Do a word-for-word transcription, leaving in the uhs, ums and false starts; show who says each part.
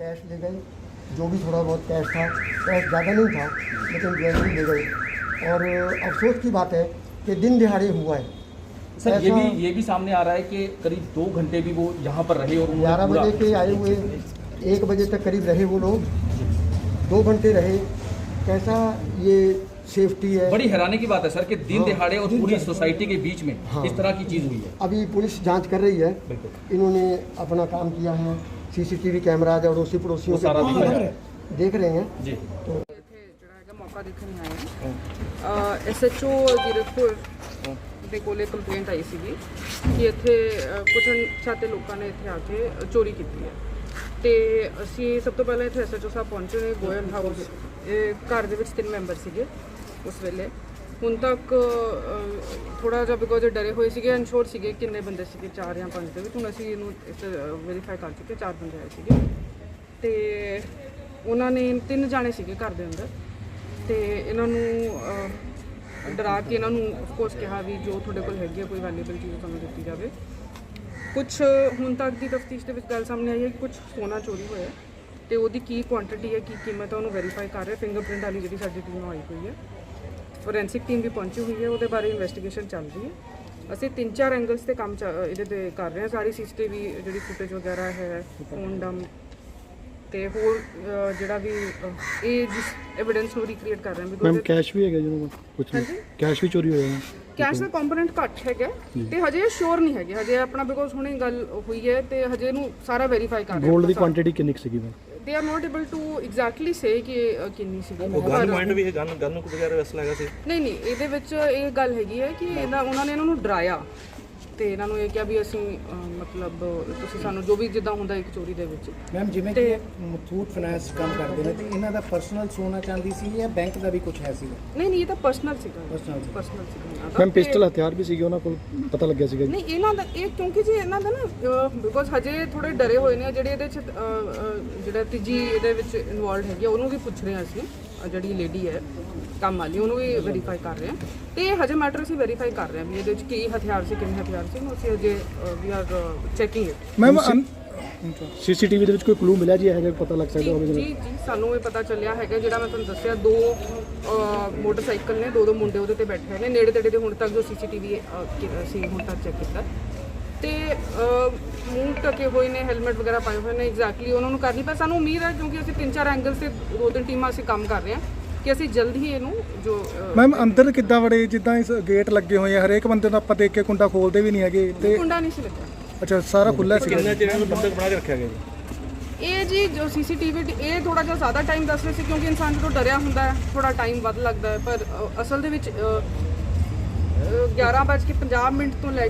Speaker 1: Cash ले गए, जो भी थोड़ा बहुत कैश था, कैश ज़्यादा नहीं था लेकिन ज्वेलरी ले गए। और अफसोस की बात है कि दिन दिहाड़े हुआ है
Speaker 2: सर। ये भी ये भी सामने आ रहा है कि करीब दो घंटे भी वो यहाँ पर रहे और
Speaker 1: ग्यारह बजे के आए हुए एक बजे तक करीब रहे वो लोग, दो घंटे रहे। कैसा ये सेफ्टी है?
Speaker 2: बड़ी हैरानी की बात है सर कि दिन
Speaker 1: हाँ,
Speaker 2: दिहाड़े और पूरी सोसाइटी के बीच में
Speaker 1: हाँ,
Speaker 2: इस तरह की चीज़ हुई है।
Speaker 1: अभी पुलिस जांच कर रही है,
Speaker 2: बिल्कुल
Speaker 1: इन्होंने अपना काम किया है, सीसीटीवी कैमराज अड़ोसी पड़ोसियों
Speaker 2: वो सारा दिख रहा है।
Speaker 1: देख रहे हैं।
Speaker 2: जी
Speaker 1: तो
Speaker 3: मौका देखने आए हैं। एस एच ओ जीरकपुर ਦੇ ਕੋਲੇ ਕੰਪਲੇਂਟ ਆਈ ਸੀਗੀ ਕਿ ਇੱਥੇ ਕੁਝ ਅਣਪਛਾਤੇ ਲੋਕਾਂ ਨੇ ਇੱਥੇ ਆ ਕੇ ਚੋਰੀ ਕੀਤੀ ਹੈ ਤੇ ਅਸੀਂ ਸਭ ਤੋਂ ਪਹਿਲਾਂ ਇੱਥੇ ਐਸ ਐਚ ਓ ਸਾਹਿਬ ਪਹੁੰਚੇ ਨੇ ਗੋਇਲ ਹਾਊਸ। ਇਹ ਘਰ ਦੇ ਵਿੱਚ ਤਿੰਨ ਮੈਂਬਰ ਸੀਗੇ ਉਸ ਵੇਲੇ। ਹੁਣ ਤੱਕ ਥੋੜਾ ਜਿਹਾ ਬਿਕੋਜ਼ ਡਰੇ ਹੋਏ ਸੀਗੇ, ਅਨਸ਼ੋਰ ਸੀਗੇ ਕਿੰਨੇ ਬੰਦੇ ਸੀਗੇ, ਚਾਰ ਜਾਂ ਪੰਜ ਦੇ ਵਿੱਚ। ਹੁਣ ਅਸੀਂ ਇਹਨੂੰ ਵੈਰੀਫਾਈ ਕਰ ਚੁੱਕੇ, ਚਾਰ ਬੰਦੇ ਆਏ ਸੀਗੇ ਤੇ ਉਹਨਾਂ ਨੇ ਤਿੰਨ ਜਾਣੇ ਸੀਗੇ ਘਰ ਦੇ ਅੰਦਰ ਤੇ ਇਹਨਾਂ ਨੂੰ ਡਰਾ ਕੇ ਇਹਨਾਂ ਨੂੰ ਆਫਕੋਰਸ ਕਿਹਾ ਵੀ ਜੋ ਤੁਹਾਡੇ ਕੋਲ ਹੈਗੀ ਹੈ ਕੋਈ ਵੈਲਿਊਬਲ ਚੀਜ਼ ਤੁਹਾਨੂੰ ਦਿੱਤੀ ਜਾਵੇ। ਕੁਛ ਹੁਣ ਤੱਕ ਦੀ ਤਫਤੀਸ਼ ਦੇ ਵਿੱਚ ਗੱਲ ਸਾਹਮਣੇ ਆਈ ਹੈ ਕਿ ਕੁਝ ਸੋਨਾ ਚੋਰੀ ਹੋਇਆ ਤੇ ਉਹਦੀ ਕੀ ਕੁਆਂਟੀਟੀ ਹੈ, ਕੀ ਕੀਮਤ ਹੈ, ਉਹਨੂੰ ਵੈਰੀਫਾਈ ਕਰ ਰਹੇ। ਫਿੰਗਰਪ੍ਰਿੰਟ ਵਾਲੀ ਜਿਹੜੀ ਸਾਡੀ ਟੀਮ ਆਈ ਹੋਈ ਹੈ, ਫੋਰੈਂਸਿਕ ਟੀਮ ਵੀ ਪਹੁੰਚੀ ਹੋਈ ਹੈ, ਉਹਦੇ ਬਾਰੇ ਇਨਵੈਸਟੀਗੇਸ਼ਨ ਚੱਲ ਰਹੀ ਹੈ। ਅਸੀਂ ਤਿੰਨ ਚਾਰ ਐਂਗਲਸ ਤੇ ਕੰਮ ਇਹਦੇ ਤੇ ਕਰ ਰਹੇ ਹਾਂ। ਸਾਰੀ ਸੀਸੀਟੀਵੀ ਜਿਹੜੀ ਫੁਟੇਜ ਵਗੈਰਾ ਹੈ, ਫੋਨ ਡੰਪ ਤੇ ਹੋਰ ਜਿਹੜਾ ਵੀ ਇਹ ਜਿਸ ਐਵੀਡੈਂਸ ਨੂੰ ਰੀਕ੍ਰੀਏਟ ਕਰ ਰਹੇ ਹਾਂ।
Speaker 4: ਮੈਮ ਕੈਸ਼ ਵੀ ਹੈਗਾ ਜਿਹਨੂੰ ਕੁਝ ਨਹੀਂ, ਕੈਸ਼ ਵੀ ਚੋਰੀ ਹੋਇਆ ਹੈ।
Speaker 3: ਕੈਸ਼ ਦਾ ਕੰਪੋਨੈਂਟ ਘੱਟ ਹੈਗਾ ਤੇ ਹਜੇ ਸ਼ੋਰ ਨਹੀਂ ਹੈਗੇ ਹਜੇ ਆਪਣਾ, ਬਿਕੋਜ਼ ਹੁਣੇ ਗੱਲ ਹੋਈ ਹੈ ਤੇ ਹਜੇ ਇਹਨੂੰ ਸਾਰਾ ਵੈਰੀਫਾਈ ਕਰ ਰਹੇ ਹਾਂ।
Speaker 4: ਗੋਲਡ ਦੀ ਕੁਆਂਟੀਟੀ ਕਿੰਨੀ ਸੀਗੀ ma'am?
Speaker 3: They are not able to exactly say ਕਿ ਕਿੰਨੀ ਸੀਗੀ।
Speaker 5: ਗਨ ਪੁਆਇੰਟ ਵੀ ਹੈ, ਗਨ ਗਨ ਨੂੰ ਵਗੈਰਾ ਵੈਸਲਾ ਹੈਗਾ ਸੀ?
Speaker 3: ਨਹੀਂ ਨਹੀਂ, ਇਹਦੇ ਵਿੱਚ ਇਹ ਗੱਲ ਹੈਗੀ ਹੈ ਕਿ ਇਹਦਾ ਉਹਨਾਂ ਨੇ ਇਹਨਾਂ ਨੂੰ ਡਰਾਇਆ ਤੇ ਇਹਨਾਂ ਨੂੰ ਇਹ ਕਿਹਾ ਵੀ ਅਸੀਂ ਮਤਲਬ ਤੁਸੀਂ ਸਾਨੂੰ ਜੋ ਵੀ ਜਿੱਦਾਂ ਹੁੰਦਾ ਇੱਕ ਚੋਰੀ ਦੇ ਵਿੱਚ।
Speaker 6: ਮੈਮ ਜਿਵੇਂ ਕਿ ਮਥੂਟ ਫਾਈਨੈਂਸ ਕੰਮ ਕਰਦੇ ਨੇ ਤੇ ਇਹਨਾਂ ਦਾ ਪਰਸਨਲ ਸੋਨਾ ਚਾਂਦੀ ਸੀ ਜਾਂ ਬੈਂਕ ਦਾ ਵੀ ਕੁਝ ਹੈ ਸੀ?
Speaker 3: ਨਹੀਂ ਨਹੀਂ, ਇਹ ਤਾਂ ਪਰਸਨਲ ਸੀਗਾ।
Speaker 6: Personal ਸੀ।
Speaker 3: ਪਰਸਨਲ ਸੀਗਾ
Speaker 4: ਮੈਮ ਪਿਸਟਲ ਹਥਿਆਰ ਵੀ ਸੀਗੇ ਉਹਨਾਂ ਕੋਲ, ਪਤਾ ਲੱਗਿਆ ਸੀਗਾ?
Speaker 3: ਨਹੀਂ ਇਹਨਾਂ ਦਾ ਇਹ ਕਿਉਂਕਿ ਜੀ ਇਹਨਾਂ ਦਾ ਨਾ ਬਿਕੋਜ਼ ਹਜੇ ਥੋੜੇ ਡਰੇ ਹੋਏ ਨੇ ਜਿਹੜੇ ਇਹਦੇ ਚ ਜਿਹੜਾ ਤੀਜੀ ਇਹਦੇ ਵਿੱਚ ਇਨਵੋਲਵਡ ਹੈਗੀ ਉਹਨੂੰ ਵੀ ਪੁੱਛ ਰਹੇ ਹਾਂ ਅਸੀਂ, ਜਿਹੜੀ ਲੇਡੀ ਹੈ ਕੰਮ ਵਾਲੀ, ਉਹਨੂੰ ਵੀ ਵੈਰੀਫਾਈ ਕਰ ਰਹੇ ਹਾਂ ਤੇ ਹਜੇ ਮੈਟਰ ਅਸੀਂ ਵੈਰੀਫਾਈ ਕਰ ਰਹੇ ਹਾਂ ਵੀ ਇਹਦੇ ਵਿੱਚ ਕੀ ਹਥਿਆਰ ਸੀ, ਕਿੰਨੇ ਹਥਿਆਰ ਸੀ, ਉਹਨੂੰ ਅਸੀਂ ਹਜੇ ਵੀ are checking it.
Speaker 4: Ma'am CCTV ਦੇ ਵਿੱਚ ਕੋਈ ਕਲੂ ਮਿਲਿਆ ਜੀ ਇਹੋ ਜਿਹਾ ਪਤਾ ਲੱਗ ਸਕਦਾ ਹੋਵੇ?
Speaker 3: ਜੀ ਜੀ ਸਾਨੂੰ ਇਹ ਪਤਾ ਚੱਲਿਆ ਹੈਗਾ, ਜਿਹੜਾ ਮੈਂ ਤੁਹਾਨੂੰ ਦੱਸਿਆ ਦੋ ਮੋਟਰਸਾਈਕਲ ਨੇ, ਦੋ ਦੋ ਮੁੰਡੇ ਉਹਦੇ ਤੇ ਬੈਠੇ ਨੇ ਨੇੜੇ ਤੇੜੇ ਦੇ। ਹੁਣ ਤੱਕ ਜੋ ਸੀਸੀਟੀਵੀ ਅਸੀਂ ਹੁਣ ਤੱਕ ਚੈੱਕ ਕੀਤਾ ਤੇ ਮੂੰਹ ਢਕੇ ਹੋਏ ਨੇ, ਹੈਲਮਟ ਵਗੈਰਾ ਪਾਏ ਹੋਏ ਨੇ। ਐਗਜ਼ੈਕਟਲੀ ਉਹਨਾਂ ਨੂੰ ਕਰ ਨਹੀਂ ਪਿਆ। ਸਾਨੂੰ ਉਮੀਦ ਹੈ ਕਿਉਂਕਿ ਅਸੀਂ ਤਿੰਨ ਚਾਰ ਐਂਗਲ ਤੇ ਦੋ ਤਿੰਨ ਟੀਮਾਂ ਅਸੀਂ ਕੰਮ ਕਰ ਰਹੇ ਹਾਂ ਕਿ ਅਸੀਂ ਜਲਦ ਹੀ ਇਹਨੂੰ ਜੋ
Speaker 4: ਮੈਮ ਅੰਦਰ ਕਿੱਦਾਂ ਵੜੇ? ਜਿੱਦਾਂ ਇਸ ਗੇਟ ਲੱਗੇ ਹੋਏ ਆ ਹਰੇਕ ਬੰਦੇ ਨੂੰ ਆਪਾਂ ਦੇਖ ਕੇ ਕੁੰਡਾ ਖੋਲਦੇ ਵੀ ਨਹੀਂ ਹੈਗੇ ਤੇ
Speaker 3: ਕੁੰਡਾ ਨਹੀਂ ਸੀ ਲੱਗਾ।
Speaker 4: ਅੱਛਾ ਸਾਰਾ ਖੁੱਲਾ ਸੀ?
Speaker 5: ਕਿੰਨੇ ਚਿਰ ਨੂੰ ਬੰਦਕ ਬਣਾ ਕੇ ਰੱਖਿਆ ਗਿਆ ਜੀ?
Speaker 3: ਇਹ ਜੀ ਜੋ ਸੀਸੀਟੀਵੀ ਇਹ ਥੋੜਾ ਜਿਹਾ ਜ਼ਿਆਦਾ ਟਾਈਮ ਦੱਸ ਰਹੇ ਸੀ ਕਿਉਂਕਿ ਇਨਸਾਨ ਜਦੋਂ ਡਰਿਆ ਹੁੰਦਾ ਹੈ ਥੋੜਾ ਟਾਈਮ ਵੱਧ ਲੱਗਦਾ ਹੈ, ਪਰ ਅਸਲ ਦੇ ਵਿੱਚ ਗਿਆਰਾਂ ਵੱਜ ਕੇ ਪੰਜਾਹ ਮਿੰਟ ਤੋਂ ਲੈ